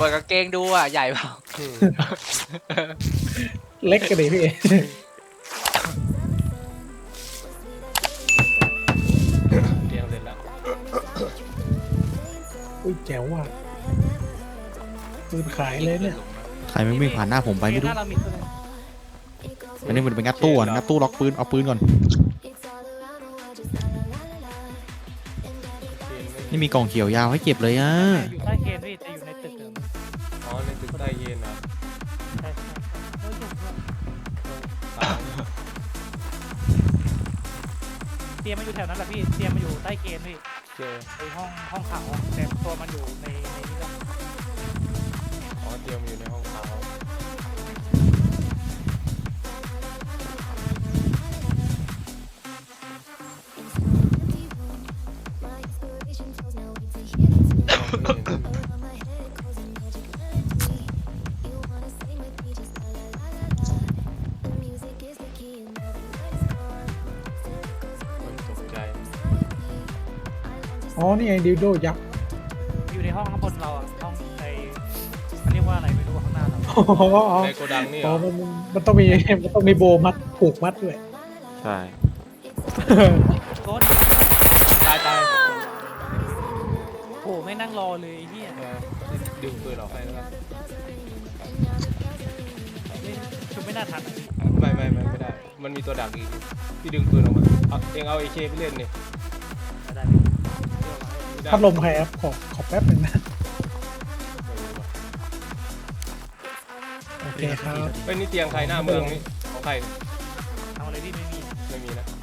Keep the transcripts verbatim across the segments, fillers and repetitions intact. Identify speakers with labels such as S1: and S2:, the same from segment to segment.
S1: ปิดกางเกงดูอ่ะใหญ่เปล่า
S2: เล็กกันดิพี่
S3: เตียงเสร็จแล้ว
S2: อุ้ยแจ๋วว่ะปืนขายเลยเนี่ย
S4: ใครไม่วิ่งผ่านหน้าผมไปไม่รู้
S5: หน้าเรามีตัวหนึง
S4: อันนี้มันเป็นงัดตู้อ่ะงัดตู้ล็อกปืนเอาปืนก่อนนี่มีกล่องเขียวยาวให้เก็บเลยอ่ะ
S5: อยู่ใต้เคนพี่จะอยู่ในตึกเดิม
S3: อ๋อในตึกใต้เย็นอ่ะ
S5: ใช่ใช่เอออยู่ด้วย
S3: ตาย
S5: เตรียมมาอยู่แถวนั้นแหละพี่เตรียมมาอยู่ใต้เคนพี่
S3: เจอ
S5: ไอห้องห้องขาวอะแต่ตัวมันอยู่ในในนี้ก็
S3: อ๋อเตรียมอยู่ในห้องเขา ตกใจ
S2: อ๋อนี่ไงดิวโดยักษ์
S5: อยู่ในห้องข้างบนเราอ่ะห้องไอมันเรียกว่าอะไรไม่รู้ข้างหน้าเรา
S2: อ๋ออ๋อ
S3: ในโกดังนี่เหร
S2: อ๋อ
S3: อ
S2: มันมันต้องมีมันต้องมีโบมัดผูกมัดด้วย
S4: ใช่
S5: โค้ด
S3: ตายตาย
S5: โอ้ไม่นั่งรอเลยไอ้เหี้ย
S3: เออดึงปืนออกให้แล้วกัน
S5: ไม่ชุบไม่น่าทันอะ
S3: ไม่ไม่ไม่ไม่ได้ มันมีตัวดักอีกพี่ดึงปืนออกมาเอาเองเอาเอเคไปเล่นนี่
S5: ไม่ได้พี่
S3: ไม่ได้
S2: พัดลมใครครับขอขอแป๊บหนึ่งนะโอเคครับ
S3: เฮ้ยนี่เตียงใครหน้าเมืองนี่ของใคร
S5: ทำอะไรพี่ไม่มี
S3: ไม่มีนะ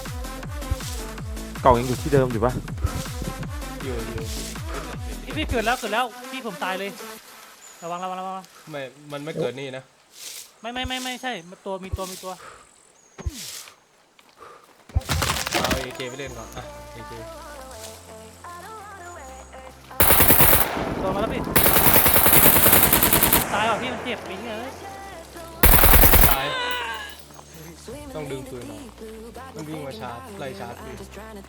S6: กล่องยังอยู่ที่เดิมอยู่ปะ
S3: อยู่อยู่
S5: พี่พี่เกิดแล้วเกิดแล้วพี่ผมตายเลยระวังระวังระวัง
S3: ไม่มันไม่เกิดนี่นะ
S5: ไม่ไม่ไม่ไม่ใช่ตัวมีตัวมีตัว
S3: เอาเอเคไปเล่นก่อนอ่ะเอเค
S5: ตัวมาแล้วพี่ตายว่ะพี่มันเจ็บปิ๊งเลย
S3: ตายต้องดึงปืนออกต้องวิ่งมาชาร์จไล่ชาร์จพี่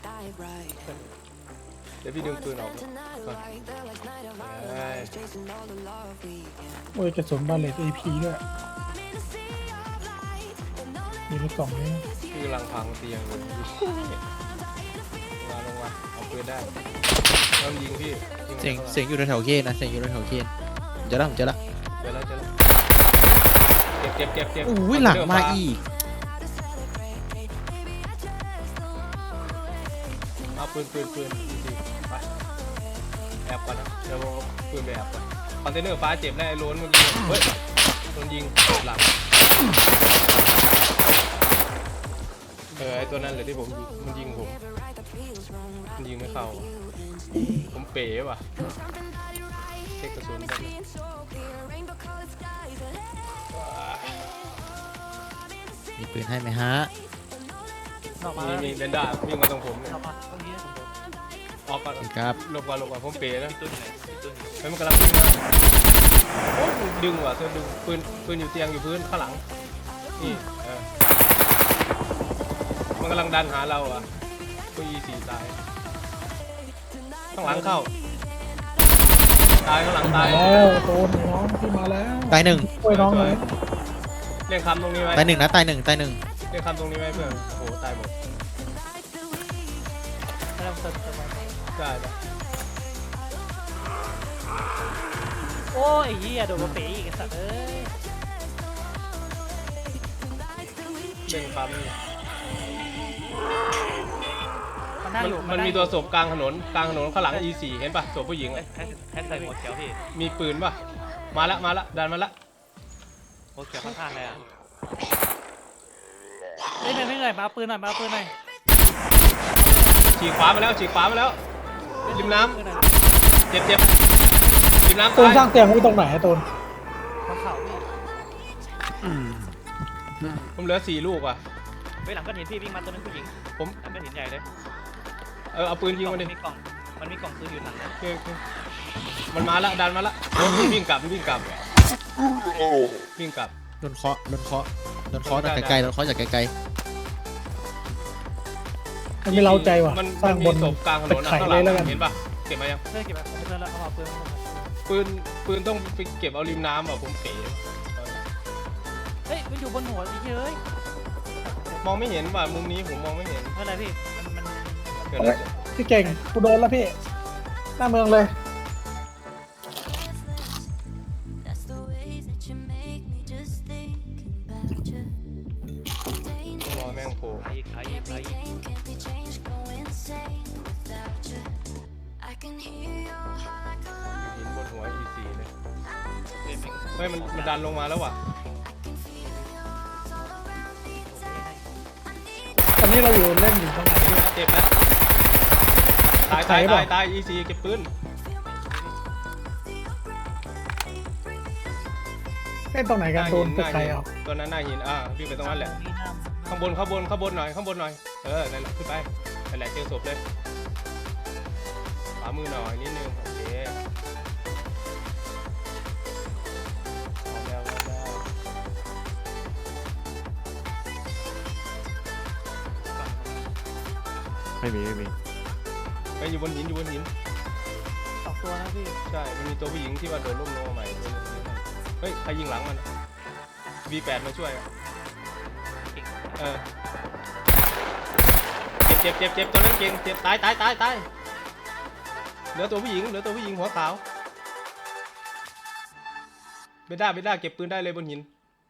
S3: เดี๋ยวพี่ดึงปืนออกก่อนได้
S2: โอ้ยกระสุนบาเลตเอพีด้วยอยู่ในกล่องนี้
S3: พี่กำลังพังเตียงอยู่มาลงมาเอาปืนได้เริ่มยิงพี่ยิง
S4: เสียง
S3: ข้ามา
S4: เสียงอยู่แถวๆเคนนะเสียงอยู่แถวๆเคนเจอแล้วผมเจอแล้ว
S3: เจอแล้วเจอแล้วเก็บเก็บเก็บเก็บ
S4: อุ้ยหลังมาอีก
S3: เอาปืนปืนปืนดีๆไปแอบก่อนนะเดี๋ยวเอาปืนไปแอบก่อนคอนเทนเนอร์ฟ้าเจ็บแน่ไอ้โล้นเมื่อกี้เฮ้ยโดนยิงหลังเออไอตัวนั้นเลยที่ผมยิงมันยิงผมมันยิงไม่เข้าผมเป๋ว่ะเช็คกระสุนกัน
S4: มีปืนให้ไหมฮะ
S5: ออกมา
S3: มี
S5: แล้ว
S3: มี
S5: พี่
S3: เบนด้าวิ่งมาตรงผมเนี่ย
S5: ออกมาตรงนี้ผมโดน
S3: ออกก่อน
S4: ครับ
S3: หลบก่อนหลบก่อนผมเป๋นะเฮ้ยมันกำลังวิ่งมาโอ้ยดึงว่ะเธอดึงปืนปืนอยู่เตียงอยู่พื้นข้างหลังนี่เออมันกำลังดันหาเราอ่ะก็ยีสี่ตายข้างหลังเข้าตายข้างหลังตาย
S2: แล้วโดนน้องที่มาแล้ว
S4: ตายหนึ่ง
S2: ช่วยน้องเลย
S3: เรียกคำตรงนี้ไหม
S4: ตายหนึ่งนะตายหนึ่งตายหนึ่ง
S3: เรียกคำตรงนี้ไหมเพื่อนโอ้โหตายหมด
S5: ไม่ต้องเติมเติมมา
S3: ได้ได้
S5: โอ้ยเหี้ยโดนมาเป๋อีกไอ้สัตว์เอ้ย
S3: เรียกคำนี่
S5: มันนั่ง
S3: มัน
S5: อยู่
S3: มันมีตัวศพกลางถนนกลางถนนข้างหลัง อี สี่ เห็นป่ะศพผู้หญิง
S5: ให้ให้ใส่หัวเขียวพี่
S3: มีปืนป่ะมาละมาละดันมาละ
S5: หัวเขียวข้างๆเลยอ่ะเฮ้ยไม่ไม่เหนื่อยมาเอาปืนหน่อยมาเอาปืนหน่อย
S3: ฉีกขวามาแล้วฉีกขวามาแล้วริมน้
S5: ปืนหน่อย
S3: ำเจ็บเจ็บริมน้ำ
S2: ตูน
S3: ตาย
S2: สร้างเตียงไว้ตรงไหนอะตูน
S5: บนเขาพี่
S3: ผมเหลือสี่ลูกว่ะ
S5: ไปหลังก้อนหินพี่วิ่งมาตัวนึงผู้หญิง
S3: ผม
S5: หลังก้อนหินใหญ่เลย
S3: เออเอาปืนยิงมันดิ
S5: มีกล่องมันมีกล่องปืนอยู่หลังนะ
S3: โอเคโอเคมันมาละดันมาละวิ่งกลับวิ่งกลับวิ่งกลับ
S4: โดนเคาะโดนเคาะโดนเคาะจากไกลๆโดนเคาะจากไกล
S2: มันไม่เล้าใจว่ะ
S3: มัน
S2: สร้าง
S3: มัน
S2: บ
S3: มี
S2: น
S3: ศพกลางถนน
S2: ตะ
S3: นะ
S2: ไคร้
S3: ข้างหลั
S2: เลย
S3: ง
S2: แล้วกัน
S3: เห็นป่ะเก็บมายัง
S5: เพื่อนเก็บไว้ผมเพื่อนแล้วเอามาเอาปืนมา
S3: ปืนปืนต้องไปเก็บเอาริมน้ำอ่ะผมเป๋
S5: เฮ้ยมันอยู่บนหัวสิเฮ้ย
S3: มองไม่เห็นว่ะมุมนี้ผมมองไม่เห็น
S5: เมื่อไรพี่มันมัน
S3: เกิดอะไรขึ้น
S2: พี่เก่งกูโดนแล้วพี่หน้าเมืองเลย
S3: รอแม่งโผล่
S5: ใครใครใคร
S3: หินบนหัว อี ซี เลย
S5: เล่นเป็น
S3: เฮ้ยมันมันดันลงมาแล้วว่ะ
S2: ตอนนี้เราอยู่เล่นอยู่ตรงไหน
S3: เจ็บแล้วตายตายตายตาย อี ซี เก็บปืน
S2: เล่นตรงไหน
S3: ห
S2: กัน
S3: น้า
S2: โด
S3: หิ
S2: น
S3: นห
S2: ตึก
S3: น้า
S2: ใคร
S3: หิน
S2: เอา
S3: ตัวนั้นหน้าหินอ่าวิ่งไปตรงนั้นแหละ
S5: นี่น้
S3: ข้างบนข้างบนข้างบนหน่อยข้างบนหน่อยเออนั่นแหละขึ้นไปนั่นแหละเจอศพเลยขวามือหน่อยนิดนึงโอเคเอาแล้วเอาแล้ว
S4: ไม่มีไม่มี
S3: ไปอยู่บนหินอยู่บนหิน
S5: ำสองตัวนะพี่
S3: ใช่มันมีตัวผู้หญิงที่ว่าโดนล่มลงมาใหม่ตัวนึงเฮ้ยใครยิงหลังมัน วี แปด มาช่วยอะเออเจ็บเจ็บเจ็บเจ็บตัวนั้นเก่งเจ็บตายตายตายตายเหลือตัวผู้หญิงเหลือตัวผู้หญิงหัวขาวเบด้าเบด้าเก็บปืนได้เลยบนหิน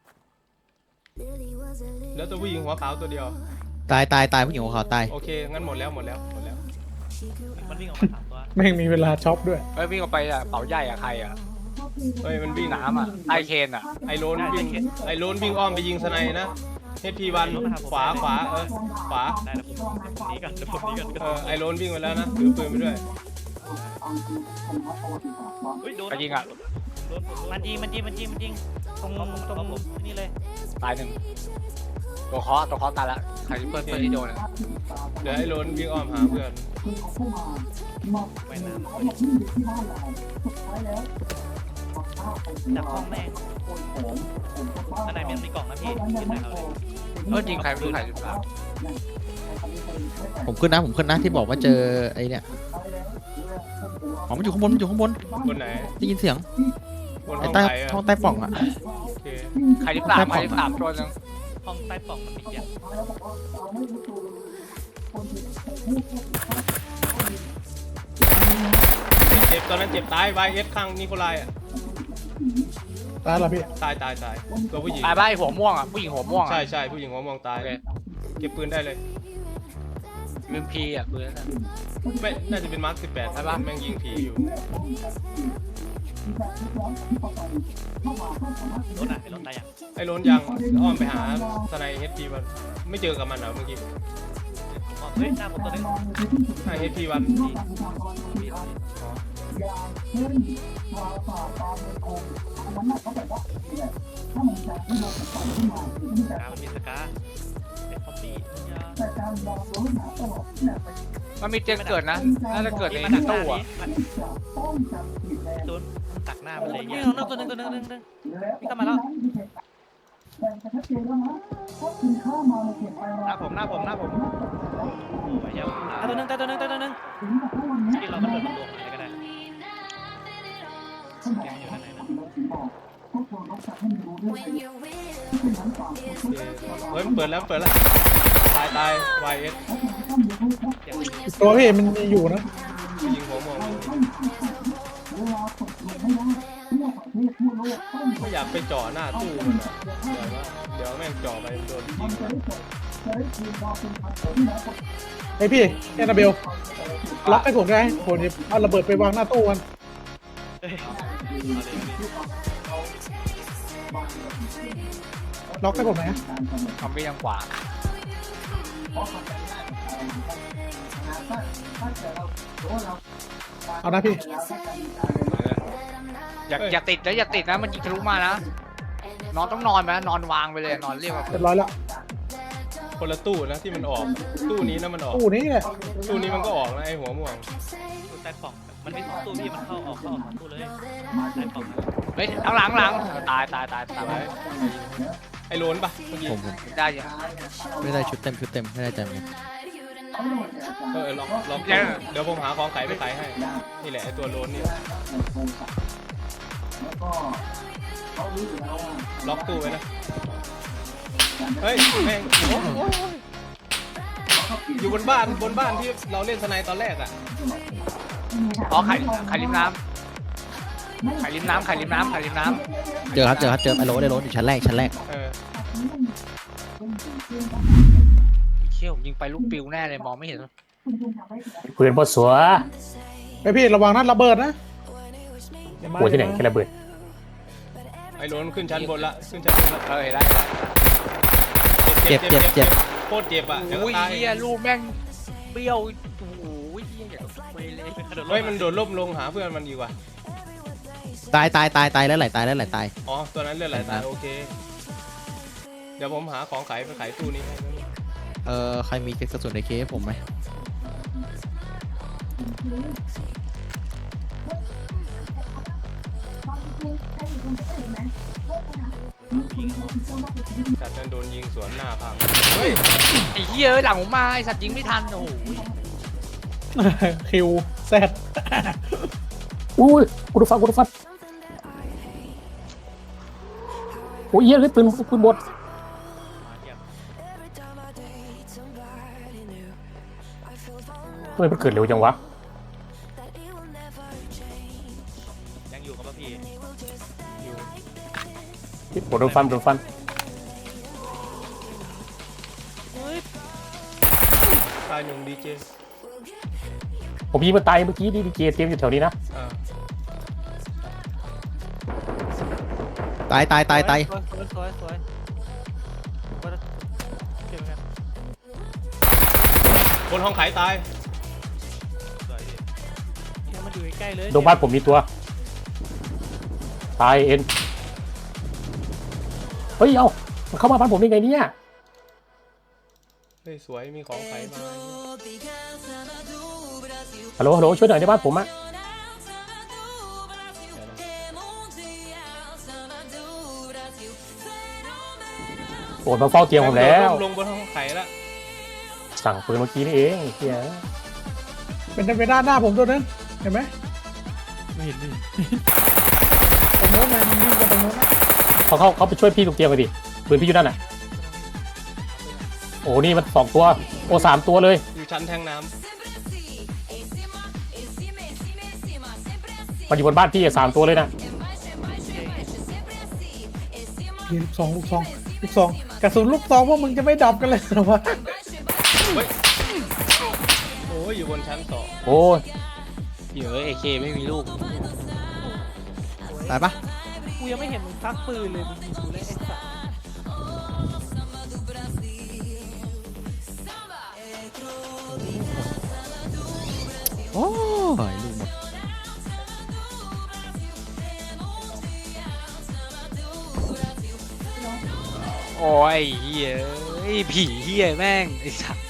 S3: เหลือตัวผู้หญิงหัวขาวตัวเดียว
S4: ตายตายตายผู้หญิงหัวขาวตาย
S3: โอเคงั้นหมดแล้วหมดแล้วหมดแล้ว
S5: มันวิ่งออกมาสามตัว
S2: แม่งมีเวลาช็อปด้วย
S1: เฮ้ยวิ่งออกไปอ่ะเป๋าใหญ่อ่ะใครอ่ะ
S3: เฮ้ยมันวิ่ง
S1: น้ำอ่ะไอเคนอ่ะ
S3: ไอโรนวิ่งไอโรนวิ่งอ้อมไปยิงสไนนะเฮดพีวันขวาขวาเออขวา
S5: ได้แล้วผมนี้กันเดี๋ยวผมนี้กัน
S3: เออไอโรนวิ่งไปแล้วนะถือปืนไปด้วย
S5: เฮ้ยโดน
S1: ใครยิงอ่ะ
S5: โดนมันยิงมันยิงมันยิงมันยิงตรงตรงผมนี่เลย
S1: ตายหนึ่งตัวเคอตัวเคอตายละใครที่เพื่อนเพื่อนที่โดนอ่ะ
S3: เดี๋ยวไอโรนวิ่งอ้อมหาเพื่อน
S5: ไปน้ำจับห้องแม่งข้างในมันมีกล่องนะพี่ขึ้นไหนเราเลย
S1: เออยิงใครไม่รู้ใครหรือเปล่า
S4: ผมขึ้นนะผมขึ้นนะที่บอกว่าเจอไอ้เนี่ยอ๋อมันอยู่ข้างบนมันอยู่ข้างบน
S3: บนไหน
S4: ได้ยินเสียง
S3: บนห้
S4: ไอ้
S3: อง
S4: ใต้
S3: ไหนอะ
S4: ห้องใต้ปล่องอะ
S3: โอเค
S1: ใครที่สามใครที่สามตัวหนึง
S5: ห้องใต้ปล่องมันมีอย่าง
S3: เจ็บตอนนั้นเจ็บตายวายเอสข้างนิโคลายอ่ะ
S2: ตายแล้วพี่
S3: ตายตายตายตัวผู้หญิง
S1: ตายบ้าไอหัวม่วงอ่ะผู้หญิงหัวม่วง
S3: ใช่
S1: อ่ะ
S3: ใช่ผู้หญิงหัวมองตาย
S1: โอเค
S3: เก็บปืนได้เลย
S1: ลืมพีอ่ะปืนนั่นน่ะ
S3: ไม่น่าจะเป็นมาร์คสิบแปด
S1: ใช่ปะ
S3: แม่งยิงผีอยู่
S5: รถอ่ะรถตายอย่าง
S3: ไอ้โรนยังอ้อมไปหาสไนเฮดพีวันไม่เจอกับมันเหรอเมื่อกี้
S5: เฮ้ยหน้าผมตัวนึง
S3: หน้าเฮดพีวันอ๋อ
S5: สกามันมีสกาเป็นคอมบี้ยา
S1: มันมีเตียงเกิดนะน่าจะเกิดใน
S5: มันดักหน้า
S1: ตู้
S5: นี้
S1: อ่ะ
S5: โดนตักหน้ามันเลยเนี่ยเอาตัวนึงตัวนึงตัวนึงนี่เข้ามาแล้วหน้าผมหน้าผมหน้าผมไปเยอะตัวนึงตัวนึงตัวนึงที่เรามันโดนรวมอะไรก็ได้ยังอยู่ด้านในนะ
S3: เฮ้ยมันเปิดแล้วเปิดแล้วตายตายวายเอส
S2: อีกตัวพี่มันมีอยู่นะ
S3: ผู้หญิงหัวมองอยู่ไม่อยากไปจ่อหน้าตู้มันอะเดี๋ยวว่าเดี๋ยวแม่งจ่อไปโดนยิง
S2: ไอพี่แอนนาเบลล็อกให้ผมได้ผมจะเอาระเบิดไปวางหน้าตู้มัน
S5: เฮ้ยเอาเลย
S2: ล็อกให้ผมไหม
S1: คอมบี้ทางขวา
S2: เอานะพี่
S1: อย่าอย่าติดนะอย่าติดนะมันยิงทะลุมานะนอนต้องนอนไหมนอนวางไปเลยนอนเรียกว่า
S2: เรียบร้อยแล้ว
S3: คนละตู้นะที่มันออกตู้นี้นะมันออก
S2: ตู้นี้แหละ
S3: ตู้นี้มันก็ออกนะไอหัวม่วง
S5: ตู้ใต้ปล่องมันมีสองตู้พี่มันเข้าออกเข้าออกสองตู้เลยใต้ปล่อง
S1: เฮ้ยหลังหลังหลังตายตายตายตาย
S3: ไว้ไอโรนปะเมื่อกี้
S4: ผมผม
S1: ได้ยัง
S4: ไม่ได้ชุดเต็มชุดเต็มไม่ได้ใจเหมือนกัน
S3: เออลองลองเดี๋ยวผมหาของขายไปขายให้นี่แหละไอตัวโรนนี่ล็อกตู้ไว้นะเฮ้ยแม่งโอ้โหอยู่บนบ้านบนบ้านที่เราเล่นสไนตอนแรกอ่ะ
S1: อ๋อไข่ไข่ริมน้ำไข่ริมน้ำไข่ริมน้ำไข่ริมน้
S4: เจอครับเจอครับเจอไอ้โรสไอ้โรสอยู่ชั้นแรกชั้นแรก
S3: เออ
S1: ำเชี่ยวยิงไปลูกปิวแน่เลยมองไม่เห็น
S6: ปืนบดสัว
S2: ไอพี่ระวังนะระเบิดนะ
S6: หัวที่ไหนแค่ระเบิด
S3: ไอ้โรนขึ้นชั้นบนละขึ้นชั้นบนละ
S1: เออได้ได้
S4: เจ็บเจ็บเจ็บ
S3: โคตรเจ็บอ่ะเดี๋ยว
S1: โอ้
S3: ก็
S1: ย
S3: ตาย
S1: เฮียลูกแม่งเปรี้ยวโอ้โหเฮียอย่างกับเวเลย
S3: เฮ้ยมันโดดล่มลงหาเพื่อนมันดีกว่า
S4: ตายตายตายตายแล้วไหลตายแล้วไหลตาย
S3: อ๋อตัวนั้นเลือดไหลตายโอเคเดี๋ยวผมหาของขายไปขายตู้นี้ให้นะ
S4: เออใครมีกระสุนในเคสผมไหม
S3: จัดนั้นโดนยิงสวนหน้าพังเฮ้ย
S1: ไอ้เฮียเอ้ยหลังผมมาไอ้สัตว์ยิงไม่ทันโอ้โห
S2: คิวแซด
S6: อุ้ยกูดูฟังกูดูฟังโอ้ยเหี้ยเลยปืนปืนบด
S5: มาเทียบ
S6: ทำไมมันเกิดเร็วจังวะ
S5: ยังอยู่กับป่ะพี่
S6: โดนฟันโดนฟัน
S5: เฮ้ย
S3: ตายหนึ่งดีเจ
S6: ผมยิงมันตายเมื่อกี้ดีดีเจเตรียมอยู่แถวนี้นะ
S3: อ่า
S4: ตายตายตายตาย
S5: สวยสวยสวยก็เจ็บเหมือนกัน
S3: บนห้องขายตาย
S5: สวยดิเฮียมันอยู่ใกล้ๆเลย
S6: โดนบ้านผมมีตัวตายเอ็นเฮ้ยเอามันเข้ามาบ้านผมได้ไงเนี่ย
S3: เฮ้ยสวยมีของขายมา
S6: ฮัลโหลฮัลโหลช่วยหน่อยในบ้านผมอะโอ้มาเฝ้าเตียงผมแล้ว
S3: ลงบนห้องขายแล้ว
S6: สั่งปืนเมื่อกี้นี่เองเฮีย
S2: เป็นไปด้านหน้าผมตัวนึงเห็นไหม
S4: ไม่เห็นดิ
S2: ตรงโน้นนะมันยิงกันตรงโน้นนะ
S6: เขาเข้าเขาไปช่วยพี่ตรงเตียงกันดิปืนพี่อยู่นั่นน่ะโอ้นี่มันสองตัวโอ้สามตัวเลย
S3: อยู่ชั้นแทงน้
S6: มันอยู่บนบ้านพี่อะสามตัวเลยนะ
S2: ยิงลูกซองลูกซองลูกซองกระสุนลูกซองพวกมึงจะไม่ดับกันเลยเหรอวะ
S3: ำเฮ้ยโอ้ยอยู่บนชั้นสอง
S6: โอ้ย
S1: เดี๋ยวเอเคไม่มีลูก
S4: ตายปะ
S5: กูยังไม่เห็นมึงซักปืนเลยมึงยิงกูเลยไอ้สัส
S4: โอ้ยลูกหมด
S1: โอ้ยเฮียเอ้ยผีเฮียแม่งไอ้สัตว์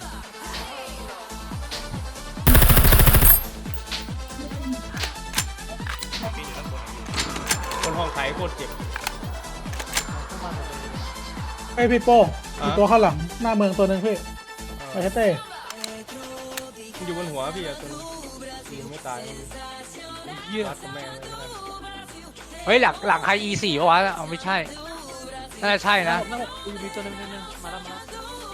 S5: พี่อยู่ด้านบนนะพี่
S3: บนห้องขายโคตรเจ็บ
S5: เข้ามาหมดเลย
S2: ไอพี่โป้มีตัวข้างหลังหน้าเมืองตัวนึงพี่
S3: เอ
S2: ไป
S3: อ
S2: เฮเต้
S3: มันอยู่บนหัวพี่อะตัวนี้ยิงไม่ตายเยี่ยรัดกับแม่เลยขนาดนั้น
S1: เฮ้ยหลังหลังไฮอีสี่ป่ะวะเอาไม่ใช่น่าจะใช่นะ
S5: หน้าหกหน้าหกมีตัวหนึงหนึงหนึงมาแล้วมาแล้ว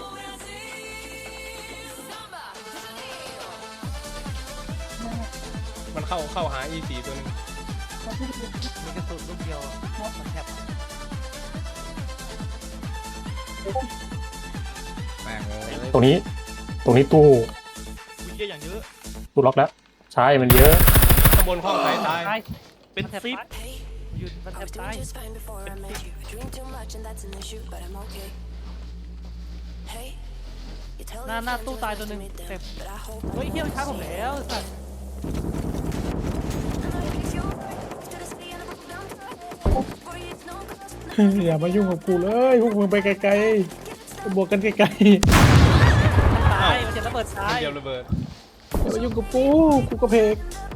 S3: มันเข้าเข้าหา อี สี่ ตัวนึง
S5: มีกระสุนลูกเดียวอะมันแทบ
S1: แม่งเลย
S6: ตรงนี้ ตรงนี้ตู้
S5: วิ่งเยอะอย่างเยอะ
S6: ตู้ล็อกแล้ว ใช่มันเยอะ
S3: ข้างบนห้องขายตาย
S5: ตายเป็นซิปยืนมันแทบตายหน้าหน้าตู้ตายตัวหนึงเต็มเฮ้ยเฮียมันช้าผมแล้วไอ้สัตว์
S2: อย่ามายุ่งกับกูเลยพวกมึงไปไกลๆไปบวกกันไกล
S5: ตายมันจะระเบิดตาย
S3: เดียวระเบิด
S2: ๆอย่ามายุ่งกับกูกูกระเพก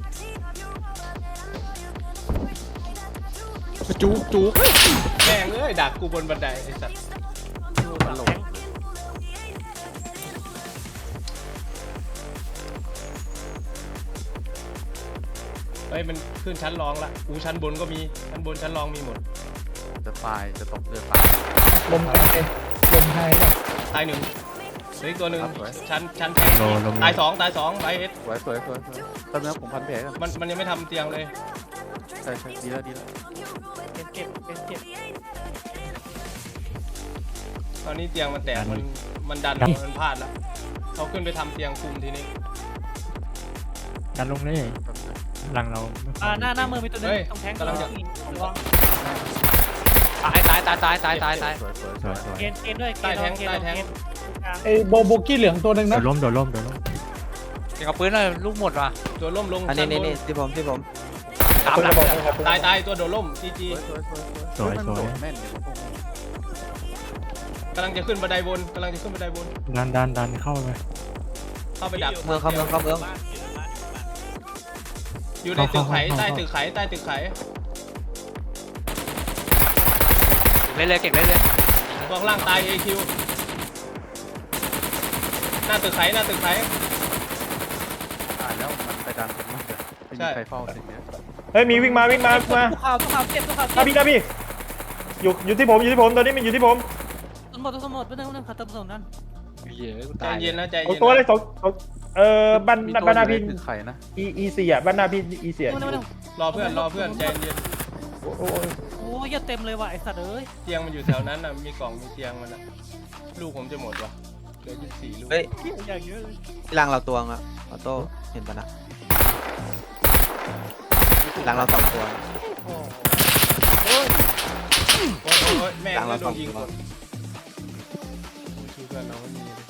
S4: จุกจุก
S3: แม่งเอ้ยดักกูบนบันไดไอ้สัตว์
S5: อยู่หลังแทงค์
S3: ไปเฮ้ยมันขึ้นชั้นรองละอูชั้นบนก็มีชั้นบนชั้นรองมีหมด
S1: จะตายจะตกจะตาย
S2: ลมกันเองลมไฮป่ะ
S3: ตายหนึ่งเหลืออีกตัวหนึ่ง
S1: ครับสวย
S3: ชั้นชั้นแพงตายสองตายสองไบเอส
S1: สวยสวยสวยสวยตอนนี้ผมพันแผลกัน
S3: มันมันยังไม่ทำเตียงเลย
S1: ใช่ใช่ดีแล้วดีแล้ว
S5: เก็บเก็บเก็บเก็บ
S3: ตอนนี้เตียงมันแตกมันมันดันมันพลาดแล้วเขาขึ้นไปทำเตียงคุมทีนี้
S7: ดันลงเลยหลังเราไม่ค่
S5: อ่า
S7: อย
S5: หน้าหน้ามือมีตัวนึง
S3: เฮ้ย
S5: ตรงแทง
S3: กำลังจะ
S5: ระวัง
S1: ตายตายตายตายตายตายตายสวยสวย
S7: สวยสวย
S5: เกณฑ์เกณฑ์ด้วยเก
S3: ใต้
S5: ณฑ์
S3: แทง
S5: เกณฑ์
S3: ใต้แทง
S5: เกณฑ์กลาง
S2: ไอ้โบโบกี้เหลืองตัวหนึ่ง
S7: โด
S2: นะ
S7: ดล้มโดดล้มโดดล้ม
S1: เก็บกระปืนเลยลูกหมดว่ะ
S3: ตัวล่มลง
S8: อัน
S3: ชั้
S8: นี้
S3: นบ
S8: นี่
S3: น
S8: นี่ที่ผมที่ผม
S1: ตามหลัง
S3: ตายตายตัวโดดล่มจีจี
S1: สวยสวยสวยสวย
S7: สวยสวย
S1: แม่นเลย
S3: กำลังจะขึ้นบันไดบนกำลังจะขึ้นบันไดบน
S7: ดันดันดันเข้าไป
S3: เข้าไปดัก
S8: เมืองเข้าเมืองเข้าเมือง
S3: อยู่ในตึกไขใต้ตึกไขใต้ตึกไข
S1: เล่นเลยเก่งเล่นเลย
S3: ตัวข้างล่างตายเอคิวหน้าตึกไขหน้าตึกไข
S1: ตายแล้วมันไปดันกันมากเลยไม่มีใครเฝ้าสิ่งนี้
S6: เฮ้ยมีวิ่งมาวิ่งมามา
S5: ทุกข่าวทุกข่าวเก็บทุกข่าว
S6: หน้า
S5: เก็บ
S6: พี่หน้าพี่อยู่อยู่ที่ผมอยู่ที่ผมตอนนี้มันอยู่ที่ผม
S5: ต้นหมดต้นหมดเป็นหนึ่งหนึ่งขัดต้นผสมนั่น
S1: เหี้ยกู
S3: ใจ
S1: ตาย
S3: เย็นนะใจ
S6: สอง
S3: เย็น
S6: ตัวเลยสองสองเอ่อบ้าน
S1: มี
S6: บ้านหน้าพี่
S1: คือใครนะ
S6: อีอีสี่อ่ะบ้านหน้าพี่อีสี่
S5: หนึ่งหนึ่ง
S3: รอเพื่อนรอเพื่อนใจเย็น
S6: โอ้โห
S5: โอ้ยเต็มเลยว่ะไอสัตว์เอ้ย
S3: เตียงมันอยู่แถวนั้นน่ะมีกล่องมีเตียงมันอ่ะลูกผมจะหมดวะเหลือยี่สิบสี่ลูก
S8: เฮ้ย
S5: อย่างเยอะเลย
S8: หลังเราตัวงอะออโต้เห็นปะนะหลังเราสองตัว
S5: โอ้
S3: โอ้ยโอ้ยแม่ง
S8: หลัง
S3: ก็
S8: เรา
S3: โด
S8: สอน ง
S3: ยิง
S8: ตั
S3: หม
S8: ว
S3: ดชื่อเพื่อนเราไม่มีเลย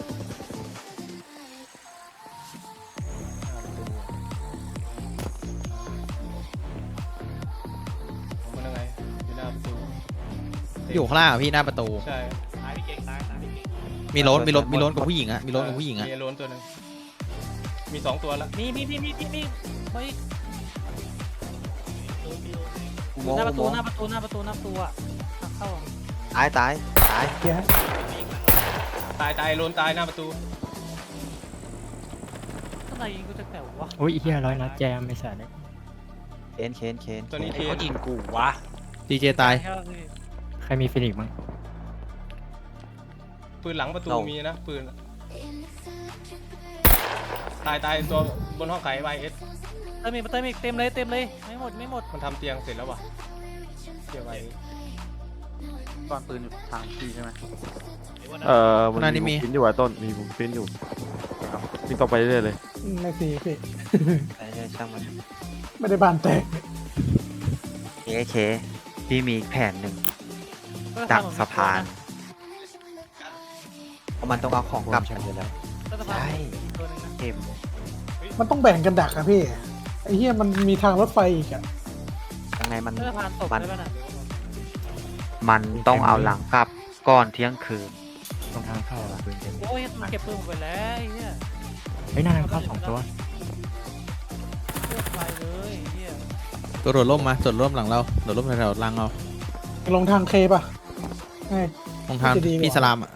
S3: มันยังไงอยู่หน้าประตู
S4: อยู่ข้างล่างอะพี่หน้าประตู
S3: ใช่
S5: ตายพี่เก่งตายตายพี่เก่ง
S4: มีรถมีรถมีรถกับผู้หญิงอะมีรถกับผู้หญิงอะ
S3: มีโล้นตัวหนึงมีสองตัวแล้ว
S5: มีมีมีมีมีมีเฮ้ย
S8: อุโมง
S5: หน้า
S8: ค์
S5: ประ
S8: อุ
S5: ตู
S8: โมง
S5: หน้า
S8: ค์
S5: ประตูหน้าประตูหน้าประตูอ่ะทางเข้า
S8: ตายตายตาย
S2: เกียร์
S3: ตายตายโล้นตายหน้าประตู
S5: ข้างในยิงกูจะแต่วะ
S7: โอ้ยเฮียร้อยนัดแจมไม่ใส่เลย
S8: เคนเคนเคน
S3: ตัวนี้
S1: ไอ้
S3: เท
S1: เขายิงกูวะ
S4: ดีเจตาย
S7: ใครมีฟินิกส์มั้ง
S3: ปืนหลังประตูมีนะปืนตายตายตัวบนห้องไขไวเอส
S5: เติมอีกเติมอีกเต็มเลยเต็มเลยไม่หมดไม่หมด
S3: มันทำเตียงเสร็จแล้ววะเตียงไว
S1: ตอนปืนอยู่ทางพี่ใช่ไหม
S9: เอ่อ
S4: ข้างหน้านี่มี
S9: บุ้มปิ้นอยู่อะต้น มีบุ้มปิ้นอยู่ครับวิ่งต่อไปเรื่อยๆเลย
S2: ไม่สีพี่
S8: ใช่ใช่ช่างมัน
S2: ไม่ได้บานแตก
S8: เคเคพี่มีอีกแผนหนึ่งดักสะพานเพราะมันต้องเอาของกลับกันอยู่แล้ว
S5: ใช่
S8: ใช่
S5: ตัวนึงนะ
S8: เข็ม
S2: มันต้องแบ่งกันดักอะพี่ไอ้เหี้ยมันมีทางรถไฟอีกอะ
S8: ยังไงมัน
S5: เพื่อผ่านตก
S8: มัน
S5: ได้ป่ะน่ะ
S8: มันต้องเอาหลังกลับก่อนเที่ยงคืน
S7: ตรงทางเข้าอะปืนเต็ม
S5: โอ้ยมันเก็บปืนหมดไปแล้วไอ้เหี้ย
S7: เฮ้ยหน้าทางเข้าสองตัว
S5: เลือกไปเลยไอ้เหี้ย
S4: ตัวโดดร่มมาโดดร่มหลังเราโดดร่มแถวๆหลังเรา
S2: ลงทางเคป่ะไง
S4: ตรงทาง
S2: จะดีกว่า
S4: พี่สลามอะ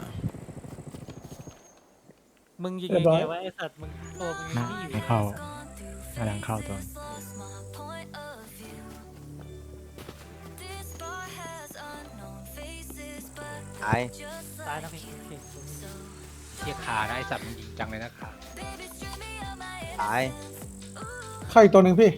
S5: มึงยิง
S2: เรี
S5: ยั
S2: ย
S5: ง
S2: บร้อย
S5: ไงวะไอ้สัตว์มึงตัวมึง
S7: หน้า
S5: นี่อยู่
S7: ไม่เข้าหน้าทางเข้าตัว
S8: ตาย
S5: ตายนะพี่เก่ง
S1: เทียขานะไอ้สัตว์มันยิงจังเลยนะขา
S8: ตาย
S2: เข้าอีกตัวหนึ่งพี่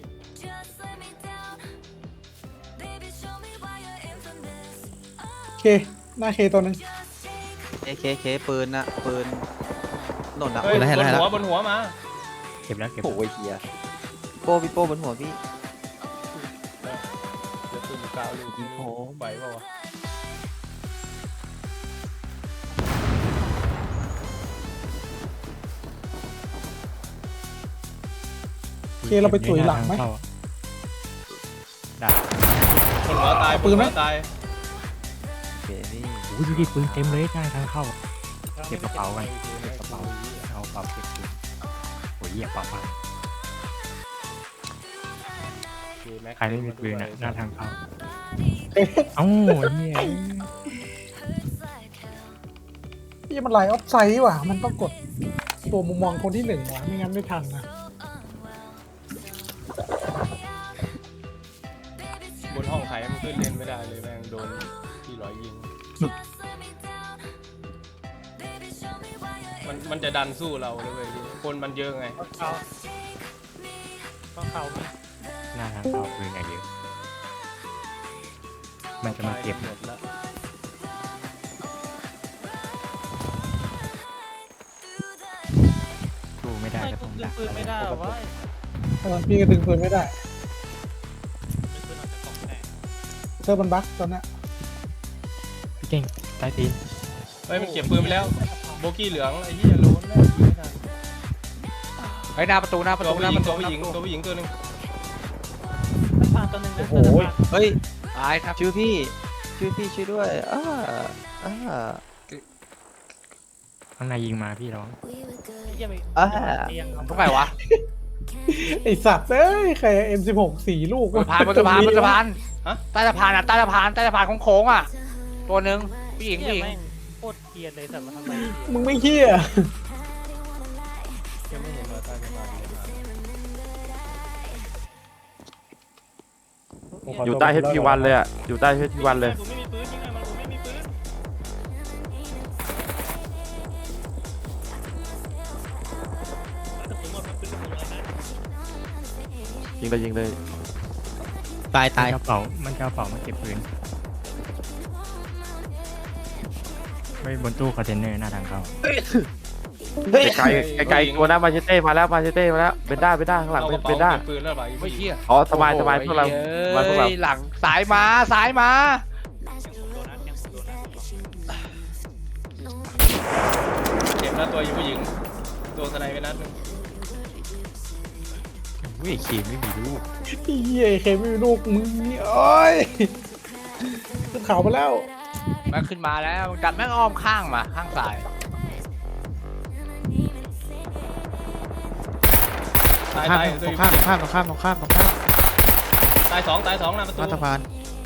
S2: เคหน้าเคตัวหนึ่ง
S8: เคเคเคปืนนะปืนหล่นอะ
S3: เฮ้ยบนหัวบนหัวมา
S7: เก็บแล้วเก็บ
S8: โอ้ยเฮียโป้พี่โป้บนหัวพี่
S3: เดี๋ยวปืนกาวลูกยิงโอ้ไหวเปล่าวะ
S2: เคเราไปตุ๋ยหลังไหม
S7: น้าทาเข้าดัก
S3: บนหัวตายบนหัวตาย
S8: โอเคพี่
S7: โอ้ยดูดิปืนเต็มเลยหน้าทางเข้า เก็บกระเป๋ากันเก็บกระเป๋าเอากระเป๋าเก็บปืนโอ้ยเหี้ยเป๋าพังใครไม่มีปืนอะหน้าทางเข้า
S2: เอ๊ะ
S7: เอ้าเฮีย
S2: พี่มันไลน์ออฟไซด์ว่ะมันต้องกดตัวมุมมองคนที่หนึ่งว่ะไม่งั้นไม่ทันนะ
S3: ขึ้นเล่นไม่ได้เลยแม่งโดนที่ร้อยยิงมันมันจะดันสู้เราเลยเว้ยคนมันเยอะไง
S5: เขาต้องเขาไหม
S7: หน้าทางเข้าปืนอย่างเยอะมันจะมาเก็บ
S3: หมดแล้ว
S7: สู้ไม่ได้
S5: ไม่
S7: ก็
S5: กู
S7: ต้อง
S5: ดึ
S7: ดั
S5: ง
S7: ก
S5: ปืนไม่ได้หรอวะ
S2: เออพี่ก็ดึงปืนไม่ได้
S5: ดึงปืนออกจากกล่องแตก
S2: เซิร์ฟมันบั๊กตอนเนี้ย
S7: พี่เก่งใต้ตีน
S3: เฮ้ยมันเก็บปืนไปแล้วโบกี้เหลืองไอ้เหี้ยโล้นแล้วยิงไม่ทัน
S1: เฮ้ยหน้าประตูหน้าประ
S3: ตัว
S1: ตู
S3: ผู้
S1: หน้า
S3: หญิ
S1: ป
S3: ง
S1: ระตู
S3: ตัวผู้หญิงตัวผู้หญิงตัวหนึง
S5: มันผ่านตัวหนึ่งนะ
S2: โอ้โห
S8: เฮ้ย
S1: ตายครับ
S8: ช่วยพี่ช่วยพี่ช่วยด้วยอ้าอ้า
S7: ข้างในยิงมาพี่ร้อง
S5: เยี่ยม
S8: อ้า
S5: เตียง
S1: ตรงไหนวะ
S2: ไอสัตว์เอ้ยใครเอ็มสิบหกสี่ลูก
S1: บนสะพานบนสะพานบนสะพานใต้สะพานอ่ะใต้สะพานใต้สะพานโค้งๆอ่ะตัวหนึ่งผู้หญิง
S5: เยี่
S1: ผู้
S5: ย
S1: หญิง
S5: แม่งโคตรเกลียดเลยแต่มาทำไม
S2: มึงไม่เฮี้ย
S3: ยังไม่เห็นว่าใต้สะพานเลยมา
S9: อยู่ใต้เฮดพีวันเลยอ่ะอยู่ใต้เฮดพีวันเลย
S5: กูไม่มีปืนยิงไงมันกูไม่มีปืน
S9: ยิงเลยยิงเลย
S4: ตายตาย
S7: มันกระเป๋ามันกระเป๋ามาเก็บปืนไม่บนตู้คอนเทนเนอร์หน้าทางเข้า
S9: ไกลไกลไกลๆตัวหน้ามาเชเต้มาแล้วมาเชเต้มาแล้วเป็นด้าเป็นด้าข้างหลัง
S3: เอาก
S9: เป็น
S3: ระเป๋า
S9: เป็นด้า
S3: เก็บปืนแล้วเปล่าอี
S1: ไม่
S3: ผู้หญิง
S1: เชี่ย
S9: อ๋อสบายสบายพวกเราสบายพวกเรา
S1: เฮ้ยหลังสายมาสายมา
S3: เจ็บแล้วตัวอีผู้หญิงตัวสไนไปนัดหนึง
S4: อุ้ยเคไม่มีลูก
S2: เฮี้ยเคไม่มีลูกมึงนี่โอ้ยขึ้นเขาไปแล้ว
S1: แม่งขึ้นมาแล้วดันแม่งอ้อมข้างมาข้างซ้าย
S3: ตาย
S4: ข้าม
S3: ตาย
S4: ตรงข้ามตรงข้ามตรงข้ามตรงข้ามตรงข้าม
S3: ตายสองตายสองหน้าประตู
S4: หน้าสะพาน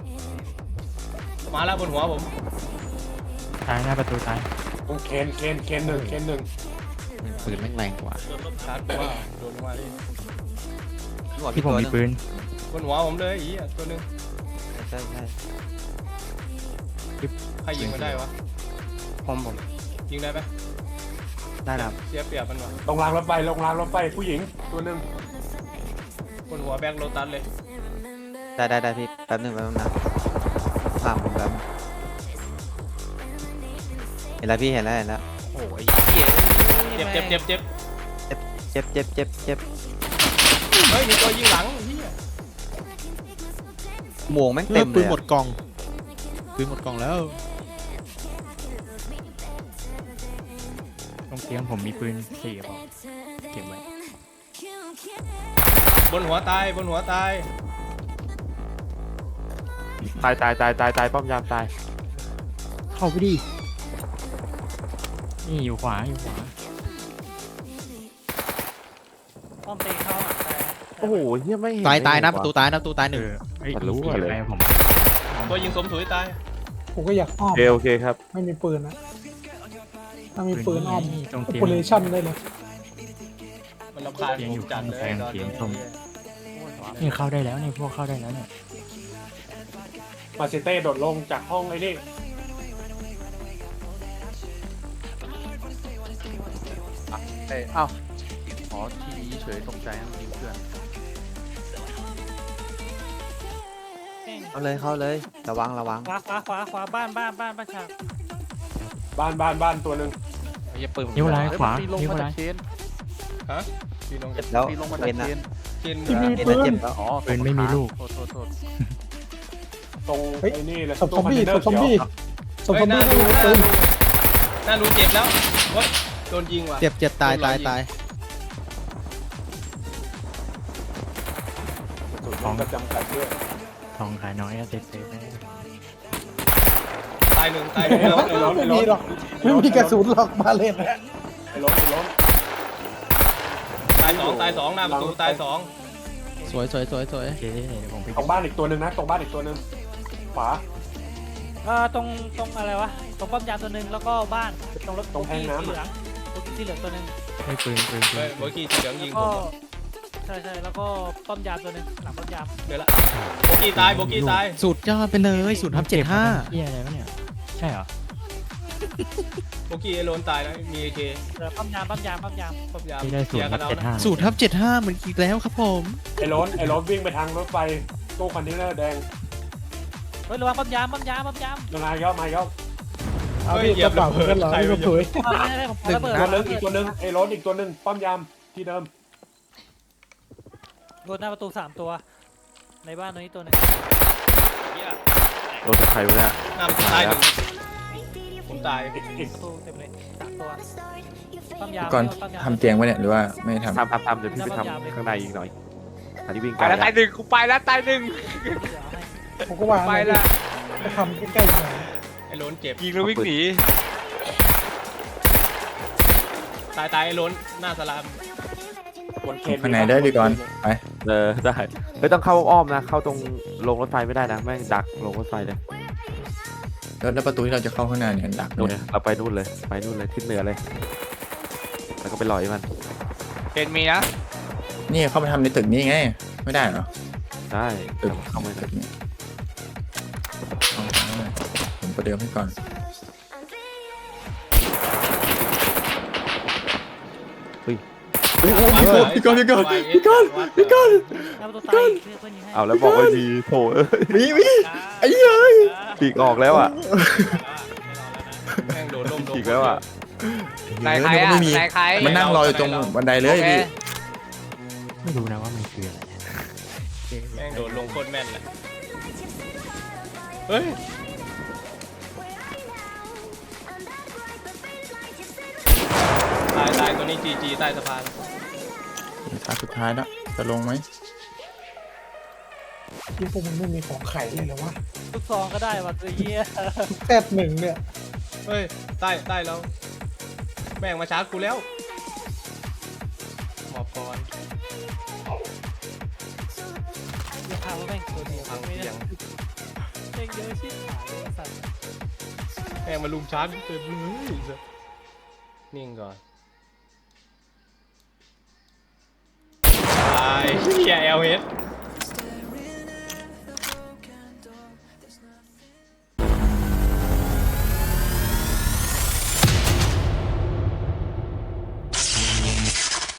S3: มาแล้วบนหัวผม
S7: ตายหน้าประตูตาย
S6: เคนเคนเคนหนึ่งเคนหนึ่ง
S4: ปืนแม่งแรงกว่า
S3: ชาร์จตัวโดนลงมาดิ
S7: ที่ผมมีปืน
S3: บนหัวผมเลยอีอ่ะตัวหนึง
S8: ใช่ใช่
S3: ใครยิงมันได้วะ
S8: ผมผม
S3: ยิงได้ไหม
S8: ได้ครับ
S3: เสียเปรียบมันวะ
S6: ลงรางรถไฟลงรางรถไฟผู้หญิงตัวหนึ่ง
S3: บนหัวแบ็คโลตัสเลย
S8: ได้ได้ได้พี่แป๊บหนึงแป๊บหนึงนะถามผมแป๊บเห็นแล้วพี่เห็นแล้วเห็นแล้ว
S1: โอ้ยเหี้ย
S3: เจ็บเจ็บเจ็บเจ็บ
S8: เจ็บเจ็บเจ็บเจ็บ
S3: เฮ้ยมีตัวยิงหลังเฮีย
S8: หมวกแม่ง
S4: เต็
S8: เต็
S4: ม
S8: ม
S4: ปื
S8: เล
S4: น
S8: ย
S4: หมด
S8: อะ
S4: กล่องปืนหมดกล่องแล้ว
S7: ตรงเตียงผมมีปืนสี่กระบอกเก็บไว้
S3: บนหัวตายบนหัวตาย
S9: ตายตายตายตายตายป้อมยามตาย
S7: เข้าไปดินี่อยู่ขวาอยู่ขวา
S5: ป้อมเตะเข้าอ่ะแต่
S9: โอ้โหเฮียไม่เห็น
S4: ตายตายนะ
S9: เล
S4: ประตูตายนะประตูตายห
S7: เอ
S4: นึ่ง
S7: อไอ้ย
S9: มันรู้
S7: เก็บ
S9: เลย
S7: ไว้ผม
S3: ตัวยิงสมถุยตาย
S2: ผมก็อยากอ้อ
S9: โอ
S2: ม
S9: เคโอเคครับ
S2: ไม่มีปืนนะถ้ามีปืนอ้อม
S7: นี่ตรง
S2: โอ
S7: เตียง
S2: เปอเรชั่นได้เลย
S3: มันรำคาญผมจัดเลยตอนนี้
S7: นี่เข้าได้แล้วนี่พวกเข้าได้แล้วเนี่ย
S6: มาเชเต้โดดลงจากห้องไอ้นี่
S1: เอ้ยเอ้าอ๋อทีนี้เฉยตกใจนะยิงเพื่อน
S8: เข้าเลยเข้าเลยระวังระวัง
S5: ขวาขวาขวาขวาบ้านบ้านบ้านบ้านฉาก
S6: บ้านบ้านบ้านตัวหนึ่ง
S1: ไอ้เหี้ยปืนผม
S7: นิ้วลายขวา
S1: ปีนลง
S7: นิ้ว
S1: มา
S7: ลา
S1: จาก
S7: ย
S1: เชน
S3: ฮะพี่น้อง
S8: เจ็บแล้ว
S1: ปีนลงมาจาก
S8: เป็น
S1: เช
S8: นะ
S1: น
S3: เกิน
S2: ที่มี
S8: เอ็น
S2: ปื
S8: นะ
S2: น
S8: เจ็บแล้ว
S1: อ๋อ
S7: ปืนไม่มีลูก
S1: โทษโทษโทษ
S6: ตรง
S2: เฮ้ย
S6: ไอ้นี่เลย
S2: ศพซอมบี้ศพซอมบี้ศพซ
S3: เฮ้
S2: อย ม
S3: หน้า
S2: บี้
S3: ดู
S2: ไม่
S3: ห
S2: มี
S3: น้า
S2: ปืน
S3: ดูหน้าดูเจ็บแล้วโอ๊ยโดนยิงว่ะ
S4: เจ็บเจ็บตายตายตาย
S6: ของประจำกัดด้วย
S7: ทองขายน้อยอะเซฟเซฟนะ
S3: ตายหนึ่งตายหนึ่งแล้ว
S6: ไอ้ล้น
S2: ไม่
S6: ไอ้ล้
S2: มี
S6: น
S2: หรอกไม่มีกระสุนหรอกมาเล่นนะ
S6: ไอ้ล้นไอ้ล้น
S3: ตายสองตายสองหน้าประตูตายสอง
S4: สวยสวยสวยสวย
S7: โอเคเดี๋ยวผมไป
S6: ตรงบ้านอีกตัวหนึ่งนะตรงบ้านอีกตัวหนึ่งขวา
S5: เอ่อตรงตรงอะไรวะตรงป้อมยามตัวหนึ่งแล้วก็บ้านตรงรถ
S6: ตรงแพงน้ำ
S5: สีเหลืองรถสีเหลืองตัวหนึ่ง
S7: ให้ปืนปืนปื
S3: เฮ้ย
S7: น
S3: เมื่อกี้สีเหลืองยิงผ
S5: ก็
S3: ม
S5: ใช่ใช่แล้วก็ป้อมยามตัวหนึงหลังป้อมยาม
S3: เดี๋ยวละโบกี้ตายโบกี้ตาย
S4: สุดยอดไปเลยศูนย์ทับเจ็ดห้า
S7: เฮียอะไรวะเนี่ยใช่เหรอ
S3: โบกี้ไอโรนตายนะมีเอเค
S5: เออป้อมยามป้อมยามป้อมยาม
S3: พยายาม
S7: ที่ได้ศู
S3: เคลี
S7: น
S3: ยร์
S7: ย์
S3: กันเอา
S7: เจ็ด
S3: นะ
S7: ห้า
S4: ศูนย์ทับเจ็ดห้าเหมือนอีกแล้วครับผม
S6: ไอ้รถไอ้รถวิ่งไปทางรถไฟตู้คอนเทนเนอร์แดง
S5: เฮ้ยระวังป้อมยามป้อมยามป้อมยาม
S6: มาเยอะมาเยอะ
S2: เอาพี่กระเป๋ากันเหรอพี่กระถุย
S5: ป้อมไม่ได้ผมระเบิด
S6: ตัวนึงอีกตัวนึงไอ้รถอีกตัวนึงป้อมยามที่เดิม
S5: โดนหน้าประตูสามตัว ในบ้านตัวนี้ตัวหนึง
S9: โดนจากใครวะเนี่ย
S3: หน้าประตูตายหนึ่งผมตาย
S5: ประตูเต็มเลยสามตัวป้อมยาม
S10: ก่อน
S5: ป้อมยาม
S10: ทำเตียงไว้เนี่ยหรือว่าไม่ทำ
S9: ทำทำทำเดี๋ยวพี่ไปทำข้างในอีกหน่อยอันนี้วิ่ง
S1: ไป
S9: ไกล
S1: แล้ว
S9: แล้
S1: ตายว หนึ่งกูไปแล้วตายหนึ่ง
S2: ผมก็วาง
S1: ไปแล้ว
S2: จะทำใกล้ๆหน่อย
S3: ไอ้โรนเจ็บ
S1: ยิงแล้ววิ่งหนี
S3: ตายตายไอ้โรนหน้าสลาม
S6: บนเขต
S10: ข้างในได้ดีก่อนไป
S9: เออได้ไม่ต้องเข้าอ้อมนะ เข้าตรงลงรถไฟไม่ได้นะแม่งดักลงรถไฟเลย
S10: แล้วแล้วประตูที่เราจะเข้าข้างในเนี่ยดัก
S9: นู่น
S10: เนี่ย
S9: เราไปนู่นเลยไปนู่นเลยทิศเหนือเลย แล้วก็ไปลอยมัน
S1: เกณฑ์มีนะ
S10: นี่เข้าไปทำในตึกนี้ไงไม่ได้เหรอ
S9: ได้
S10: ตึก
S9: เข้ามา
S10: ตึกนี้เอาเอาผมประเดิมให้ก่อน
S3: พี่ก้อนพี่ก้อนพี่ก้อนพี่ก้อน
S5: หน้าประตูตายอีกเพื่อนยิงให้
S9: เอาแล้วบอกว่าดีโถเอ้ย
S10: วิวิไอ้เหี้ย
S9: ปีกออกแล้วอ่ะ
S3: แม่งโดนลมโดน
S9: อีกแล้วอ่ะ
S1: นายใคร
S10: เดี๋ยว
S1: อ่ะ
S10: ก็ไม่มี
S1: นายใคร
S10: มันนั่งรออยู่ตรงบันไดเลย
S1: โอเค
S10: พี่
S7: ไม่รู้นะว่ามันคืออะไร
S3: แม่งโดนลงโคตรแม่นเลยเฮ้ยตายตายตัวนี้จีจีใต้สะพาน
S10: ท้ายสุดท้ายแล้วจะลงไหม
S2: ที่พวกมันไม่มีของไข่เลยเหรอวะ
S5: ทุกซองก็ได้ว่ะตัวเหี้ย
S2: แซดหนึ่งเนี่ย
S3: เฮ้ยใต้ใต้เราแม่งมาชาร์จกูแล้วหมอบก่อน
S5: อย่าพาว่าแม่งตัวเดียว
S3: พัง
S5: ไม่
S3: เสี
S5: ได้
S3: ยง
S5: แม่งเยอะชิบหายเลยสัตว์
S3: แม่งมาลุมชาร์จกูเต็มเลยนิ่งก่อนตายเชียร์เอลเฮด